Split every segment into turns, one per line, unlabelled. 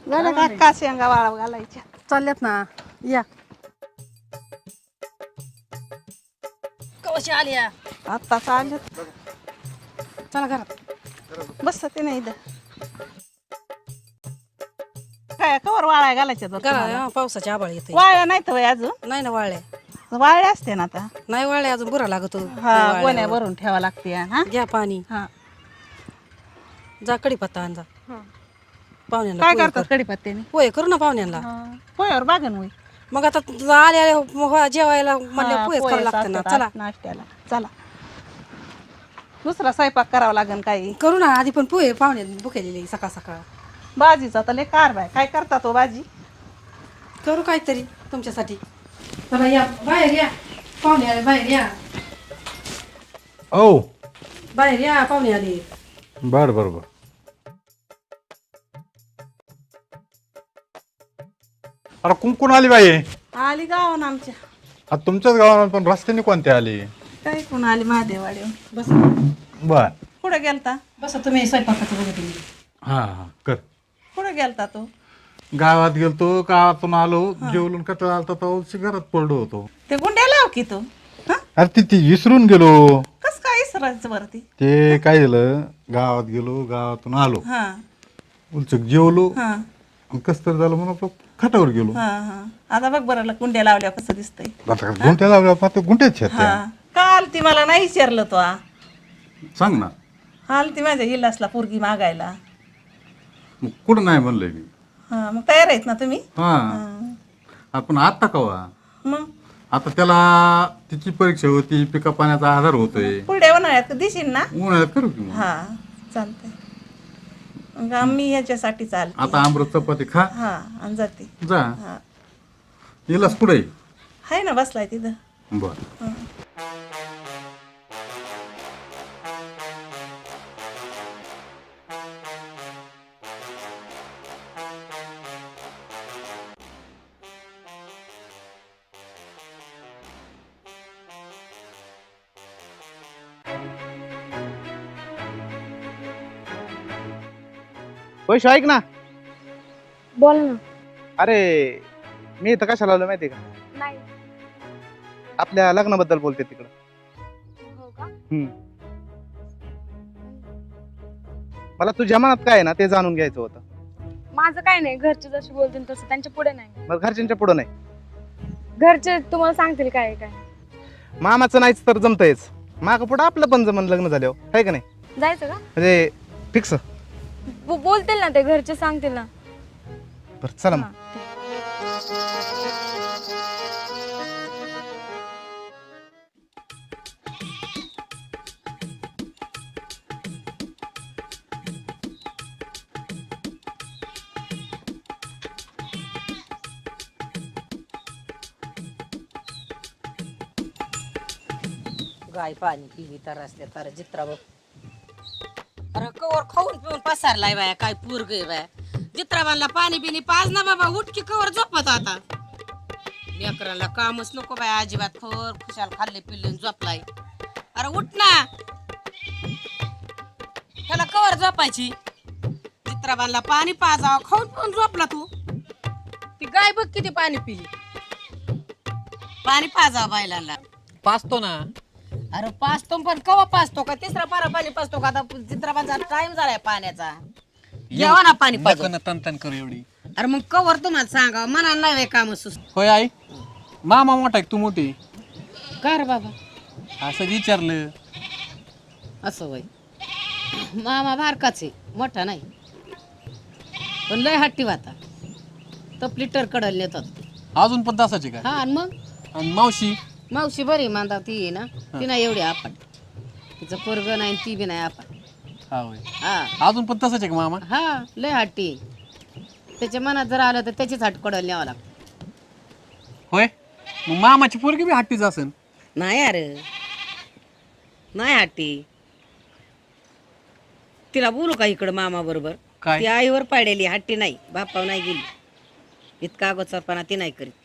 झालं का का शेंगा वाळव घालायच्या
चालल्यात ना या कशी आली या
आत्ताच आले
चला घरात
बस ते नाही काय कवर वाळ्या घालायच्या
घरा पावसाची आबाळ येते
वाळ्या नाही तर अजून
नाही ना वाळल्या
वाळ्या असते ना आता
नाही वाळल्या अजून बुरा लागतो
हा गोण्या भरून ठेवा लागते हा
घ्या पाणी
हा
जा कडीपत्ता आण जा पाहुण्यांना
काय
पोहे
करतात
कर.
कडीपत्त्याने
पोहे करू ना पाहुण्यांना
पोह्यावर बागन होई
मग आता आल्या जेवायला म्हणल्या पोहेच करावं लागतं ना चला
नाश्त्याला चला दुसरा स्वयंपाक करावा लागेल काही
करू ना आधी पण पोहे पाहुणे भुकेलेले सकाळ सकाळ
भाजीचा तर लय कारभार काय करता तो भाजी
करू काहीतरी तुमच्यासाठी चला या बाहेर या पाहुणे आले बाहेर या
ओ
बाहेर या पाहुणे आले
बर बर बर अरे कुंकून आली बाई
आली गावान आमच्या
आता तुमच्याच गावात पण रस्त्याने कोणते आली
काय कोण आली महादेवाडी
बस
बर
कुठे गेलता
बस तुम्ही स्वयंपाकाचं बघत
हा हा कर
कुठे गेलता तू
गावात गेलतो गावातून आलो जेवलून कटळ आलता तर घरात पडलो होतो
ते गुंड्या लाव की तू हा
अरे ती विसरून गेलो
कस काय इसरायचं बरं ती
ते काय झालं गावात गेलो गावातून आलो
हा
उलचक जेवलो
हा
आणि कस तर झालं म्हणून आपलं खाटावर गेलो
हा हा आता बघ बरं गुंड्या लावल्या कसं दिसतंय
आता गुंट्या लावल्या आता गुंट्याच आहेत त्या.
हा काल ती मला नाही विचारलं तो
सांग ना
हाल ती माझ्या इलासला पोरगी मागायला
मग कुठं नाही म्हणलंय मी
हा मग तयार आहेत ना तुम्ही
हा आपण आता कवा
मग
आता त्याला तिची परीक्षा होती पिका पाण्याचा आधार होतोय
पुढे उन्हाळ्यात दिशील ना
उन्हाळ्यात करू की मग.
हा चालतंय मग आम्ही ह्याच्यासाठी चालते
आता आमरस चपाती खा
हा आणि जाते
जा
हा
येलास पुढे
आहे ना बसलाय तिथं
बर
वैशू ऐक ना
बोल ना
अरे मी इथं कशाला आलो माहिती का
नाही
आपल्या लग्नाबद्दल बोलते तिकडं
हो का
मला तुझ्या मनात काय आहे ना ते जाणून घ्यायचं होतं
माझं काय नाही घरचे जसे बोलतील तसं त्यांच्या पुढे नाही
मग घरच्यांच्या पुढं नाही
घरचे तुम्हाला सांगतील काय आहे काय
मामाचं नाहीच तर जमतंयच माग पुढं आपलं पण जमन लग्न झाल्यावर आहे का नाही
जायचं का
म्हणजे फिक्स
बोलतील ना ते घरचे सांगतील ना
बरं चला मग
हा.
गाय पाणी पिली तर असल्या तर जित्रा बघ अरे कवर खाऊन पिऊन पसारलाय बाया काय पूर गे बाया जित्राबांना पाणी बिनी पाज ना बाबा उठकी कवर झोपत आता लेकराला कामच नको बाया अजिबात खवर खुशाल खाल्ले पिल्ले झोपलाय अरे उठ ना त्याला कवर झोपायची जित्राबांना पाणी पाजावं खाऊन पिऊन झोपला तू ती गाय बघ किती पाणी पिली पाणी पाजावं बायलांना
पाचतो ना
अरे पाचतो पण कवा पाचतो का तिसरा पारा पाणी पाचतो का आता चित्राबाचा टाइम झालाय पाण्याचा जेव्हा ना पाणी पाजतो
नको तन करू एवढी
अरे मग कवर तुम्हाला सांगा मना नाही काम सुस्त
होय आई मामा मोठा आहे का तू मोठी
का रे बाबा
असं विचारलं
असं वय मामा बारकाच आहे मोठा नाही पण लय हट्टी वाता तपली कडल नेतात
अजून पण तसाच आहे का
हा आणि मग
आणि मावशी
मावशी बरी मानता ती आहे ना ती नाही एवढी आपण तिचं पोरग नाही ती बी नाही आपण
हा होय
हा
अजून पण तसाच आहे का मामा
हा लय हट्टी त्याच्या मनात जर आलं तर त्याचीच हट कडल न्यावं लागतं
होय मग मामाची पोरगी बी हट्टीच असेल
नाही अरे नाही हट्टी तिला बोलू का इकडं मामा बरोबर
काय?
ती आईवर पाडलेली हट्टी नाही बापाव नाही गेली इतका अगोदरपणा ती नाही करीत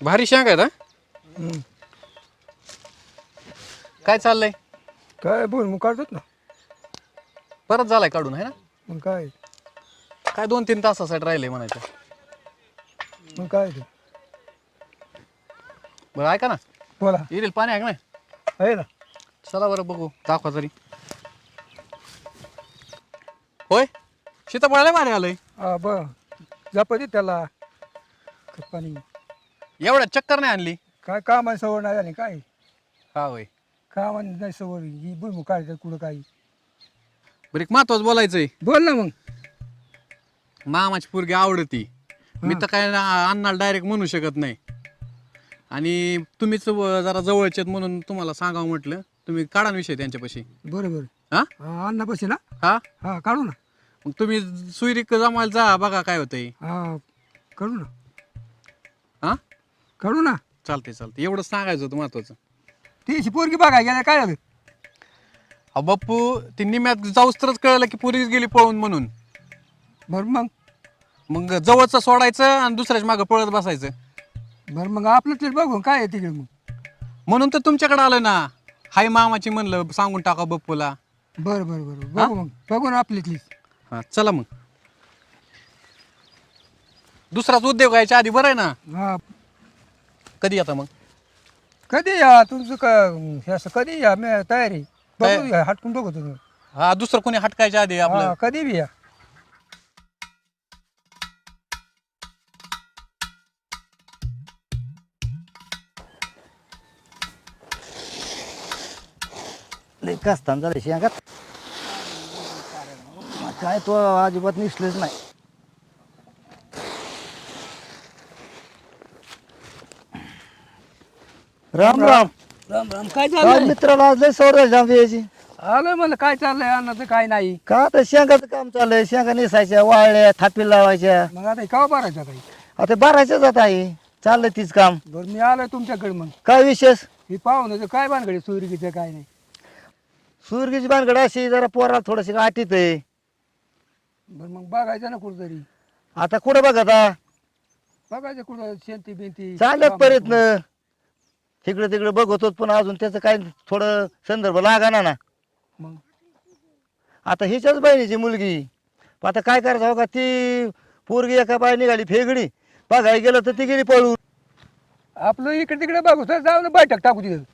भारी शेंग आहेत हा? काय चाललंय?
काय बोल मग काढतात ना.
परत झालाय काढून आहे ना?
मग काय
काय 2-3 तासासाठी राहिले म्हणायचं.
मग काय ते
बरं ऐका ना,
बोला.
येईल पाणी आहे का नाही?
आहे ना.
चला बरं बघू, दाखवा तरी. होय, सीताफळाला भारी आलंय.
हा ब जपती त्याला पाणी.
एवढ्या चक्कर नाही आणली.
काय कामाची सवड नाही झाली काय.
हा होय.
कामाची नाही सवड ही भुईमुग काढतात कुठं काही.
बरं एक महत्वाचं बोलायचंय.
बोल ना मग.
मामाची पोरगी आवडती. मी तर काय अण्णाला डायरेक्ट म्हणू शकत नाही. आणि तुम्हीच जरा जवळचे आहेत म्हणून तुम्हाला सांगावं म्हटलं. तुम्ही काढा ना विषय त्यांच्यापाशी.
बरोबर.
हा
हा अन्नापाशी ना.
हा
हा काढू ना.
मग तुम्ही सुईरीक जमायला जा, बघा काय होतंय.
हा काढू ना.
हा
काढू ना.
चालतंय चालतंय, एवढंच सांगायचं होतं महत्वाचं.
ती पोरगी बघा गेल्या काय झालं.
अहो बाप्पू, ती निम्यात जाऊस तरच कळलं की पोरगी गेली पळून म्हणून.
बरं
मग जवळचं सोडायचं आणि दुसऱ्याच मागं पळत बसायचं.
बरं मग आपलं ते बघू काय आहे तिकडे मग.
म्हणून तर तुमच्याकडे आलं ना. हाय मामाची म्हणलं सांगून टाका बप्पूला.
बरं बरं बरं बघू मग. बघू ना आपली.
हा चला मग. दुसराच उद्योग यायच्या आधी बरं आहे ना.
हा
कधी आता मग?
कधी या तुमचं का हे असं कधी या मी तयारी बघू या, हटकून बघू तुम्ही.
हा दुसरं कोणी हटकायच्या आधी आपलं.
हा कधी बी या.
लय कस्तान झालं शेंगात. काय तो अजिबात निसलेच नाही. राम राम.
राम राम. काय
काय
चाललंय.
मित्राला आज लय सवय जाम द्यायची.
आलं मला काय चाललंय अन्नाचं काय नाही.
का तर शेंगाचं काम चाललंय. शेंगा निसायच्या, वाळल्या, थापी लावायच्या.
मग आता केव्हा भरायचं काही.
आता भरायच्याच आता आहे. चाललंय तीच काम.
बरं मी आलोय तुमच्याकडे. मग
काय विशेष?
हे पाहुण्याचं काय भानगडी सुरगीचं काय नाही.
सुरगीची भानगड अशी जरा पोराला थोडीशी आटीत आहे.
बरं मग बघायचं ना कुठंतरी.
आता कुठं बघा
बघायचं कुठं शेंती बिंती.
चालत प्रयत्न. तिकडे तिकडे बघतो पण अजून त्याचं काय थोडं संदर्भ लागाना ना.
मग
आता हिच्याच बहिणीची मुलगी. आता काय करायचं हो का, ती पोरगी एका बाई निघाली फेगडी. बघायला गेलं तर ती गेली पळून.
आपलं इकडे तिकडे बघू तर जाऊ ना बैठक टाकू तिथं.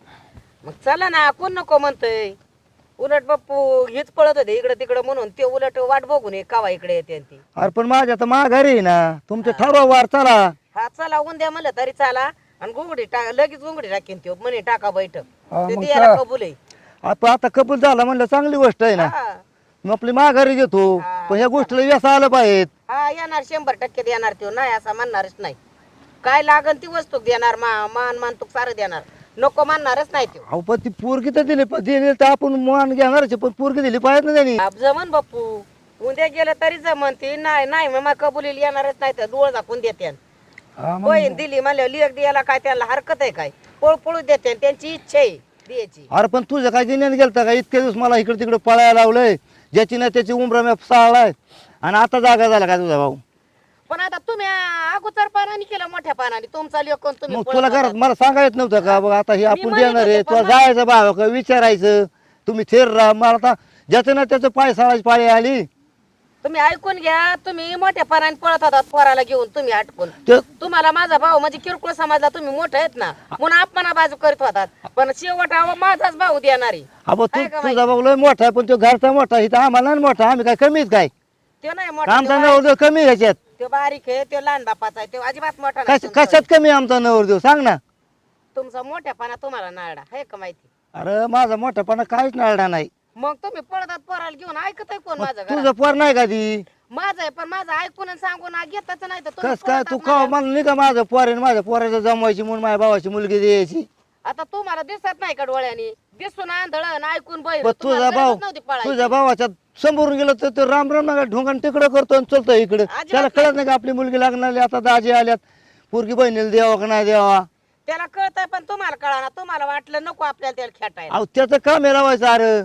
मग चला ना, कोण नको म्हणतंय. उलट बाप्पू हेच पळत होते इकडे तिकडे म्हणून ते उलट वाट बघून कावा इकडे येते ती.
अरे पण माझ्या तर माघारी आहे ना. तुमचं ठरवा वार चला.
हा चला उद्या म्हणलं तरी चाला. आणि घुंगडी लगेच घुंगडी टाकेन त्यो म्हणे टाका बैठक.
हा,
ते
मग
द्यायला कबूल आहे.
आपण आता कबूल झाला म्हणलं चांगली गोष्ट आहे ना.
हा.
मग आपली माघारी घेतो. पण ह्या गोष्टीला व्यस आलं पाहिजे.
हा येणार 100% देणार त्यो. नाही असं म्हणणारच नाही. काय लागन ती वस्तू देणार. मान तू सारं देणार. नको म्हणणारच नाही त्यो.
अहो पण ती पोरगी तर दिली तर आपण मान घेणारच आहे, पण पोरगी दिली पाहिजे ना त्यांनी.
जमन बाप्पू उद्या गेलं तरी जमन. ती नाही मग कबुलीला येणारच नाही तर डोळ दाखवून देते.
हा मग
बहीण दिली म्हणल्या लेख द्यायला काय त्याला हरकत आहे काय. पळू देते त्यांची इच्छा आहे द्यायची.
अरे पण तुझं काय दिण्याने गेलता का. इतके दिवस मला इकडे तिकडे पळायला लावलंय. ज्याची नाही त्याची उमरा मी साळलाय. आणि आता जागा झाला काय तुझा भाऊ.
पण आता तुम्ही अगोदर पानाने केलं मोठ्या पानाने तुमचा लेख कोण तुम्ही
मग
पळत
तुला
होतात.
घरात मला सांगायचं नव्हतं का बघ आता हे आपण
म्हणत
देणार आहे.
होते, पण
तुला जायचं भाव का विचारायचं. तुम्ही थेर राहा. मला आता ज्याचं ना त्याचं पाय साळायची पाळी आली.
तुम्ही ऐकून घ्या. तुम्ही मोठ्या पानाने पळत होतात पोराला घेऊन. तुम्ही हटकून
ते-
तुम्हाला माझा भाऊ म्हणजे किरकोळ समाजला तुम्ही मोठे आहेत ना म्हणून अपमाना बाजू करीत होतात. पण शेवट माझाच भाऊ देणारी.
अबो
आहे का
तुझा भाऊ लय मोठा आहे, पण तो घरचा मोठा आहे. इथं आम्हाला नाही मोठा. आम्ही काय कमीच काय.
तो नाही मोठा.
आमचा नवरदेव कमी आहे ह्याच्यात.
तो बारीक आहे. तो लहान बापाचा आहे. तो अजिबात मोठा नाही तुमचा.
कशात कमी आहे आमचा नवरदेव सांग ना.
तुमचा मोठ्यापणा तुम्हाला नाळडा आहे का माहिती.
अरे माझा मोठापणा काहीच नाळला नाही.
मग तुम्ही पळतात पोराला घेऊन ऐकत आहे कोण
मग
माझं
तुझं
घरात?
पोर नाही का ती.
माझं आहे पण माझं ऐकून आणि सांगून घेतच नाही तर तुम्ही
कस काय
पळतात
तू
ना.
का मला नाही का माझं पोर आहे. माझ्या पोराचं जमवायची म्हणून माझ्या भावाची मुलगी द्यायची.
आता तुम्हाला दिसत नाही का डोळ्यानी. दिसून आंधळ आणि ऐकून बैल.
पण तुझा भाऊ तुझ्या भावाच्या समोरून गेलं तर तो राम राम नका ढोंगण तिकडं करतो आणि चलतो इकडे. त्याला कळत नाही का आपली मुलगी लागणार. आता दाजी आल्यात. पोरगी बहिणीला द्यावा का नाही द्यावा.
त्याला कळतंय पण तुम्हाला कळा ना. तुम्हाला वाटलं नको आपल्याला त्याला खेटायला.
अहो त्याचं काम आहे लावायचं. अरे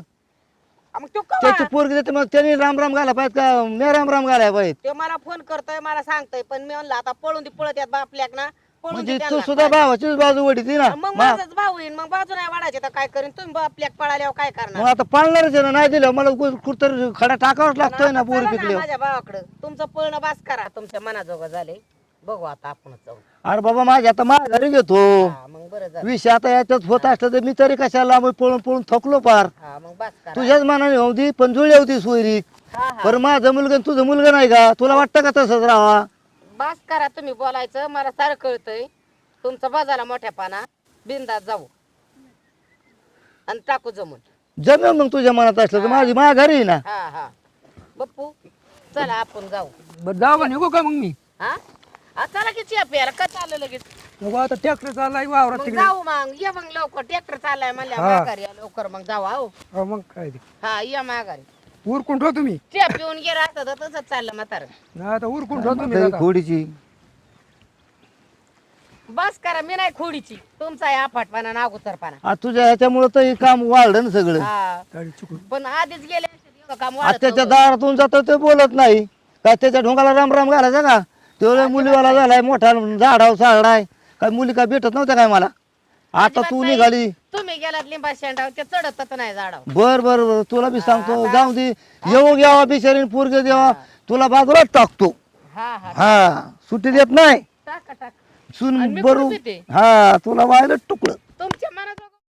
मग तो कवा?
त्याची पोरगी देते मग त्यांनी राम राम घाला पाहिजे का मी राम राम घालाय पाहिजे.
ते मला फोन करतोय मला सांगतोय पण मी म्हणलं आता पळून ती पळत यात बापल्याक ना पळून
म्हणजे
दे
तू
त्यांना.
सुद्धा भावाचीच बाजू वडीती ना
मग
मा-
माझाच भाऊ येईन मग बाजू नाही वाढायचे तर काय करीन तुम्ही आपल्या पळाल्यावर काय
मग
करणार
आता पाळणारच आहे ना नाही दिलं मला कुठतरी खडा टाकावाच लागतोय ना
आता
पोरी
चला ना
पिकल्यावर
माझ्या भावाकडं तुमचं पळणं बास करा तुमच्या मनाजोगं झाले बघू आता आपणच जाऊ
अरे बाबा माझ्या आता माघारी घेतो
हा मग बरं झालं
विषय आता याच्यात होत असलं तर मी तरी कशाला लांब पळून पळून थकलो पार
हा मग बास करा
तुझ्याच मनाने होती पण जुळली होती सोयरी
हा हा
पर माझा मुलगा आणि तुझं मुलगा नाही का तुला वाटतं का तसंच राहावा
बास करा तुम्ही बोलायचं मला सारं कळतंय तुमचं बाजाला मोठ्या पाना बिंदात जाऊ आणि टाकू जमून
जमेल मग तुझ्या मनात असलं तर माझी माघारी आहे ना
हा हा बप्पू चला आपण जाऊ
बरं जाऊ का निघू का मग मी
हा चला की चिया प्यायला का चाललं लगेच
नको आता ट्रॅक्टर चाललाय वावरात
मग
तिकडे
जाऊ मग ये मग लवकर ट्रॅक्टर चाललाय म्हणल्या
हा.
माघारी या लवकर मग जाऊ आहो
हो, मग काय ते
हा या माघारी
उरकून ठेव तुम्ही
चिया पिऊन गेला असतं तर तसंच चाललं म्हातारं
नाही आता उरकून ठेव तुम्ही
काही
आता.
खोडीची
बस करा मी नाही खोडीची तुमचा आहे आफाटपणा नागुतरपणा
आता तुझ्या ह्याच्यामुळे तर हे काम वाढलं ना सगळं
हा
गाडी चुकून
पण आधीच गेले असते एवढं काम वाढत
आत्याच्या
नव्हतं.
दारातून जातो ते बोलत नाही काय त्याच्या ढोंगाला राम राम घालायचा का तेवढ्या मुलीवाला झालाय मोठा झाडाव सागडाय काय मुली काय भेटत नव्हत्या काय मला आता
अजिबात
तू
नाही.
निघाली
तुम्ही गेलात लिंबा शेंडाव ते चढतच नाही झाडाव
बर बर बर तुला बी सांगतो जाऊ दे येऊ घ्यावा बिचारीन पोरगे द्यावा तुला बाजूलाच टाकतो
हा हा
हा सुट्टी देत नाही
टाका टाका
सुन
आणि मी
बरू
कुठं पिते?
हा तुला व्हायला तुकडं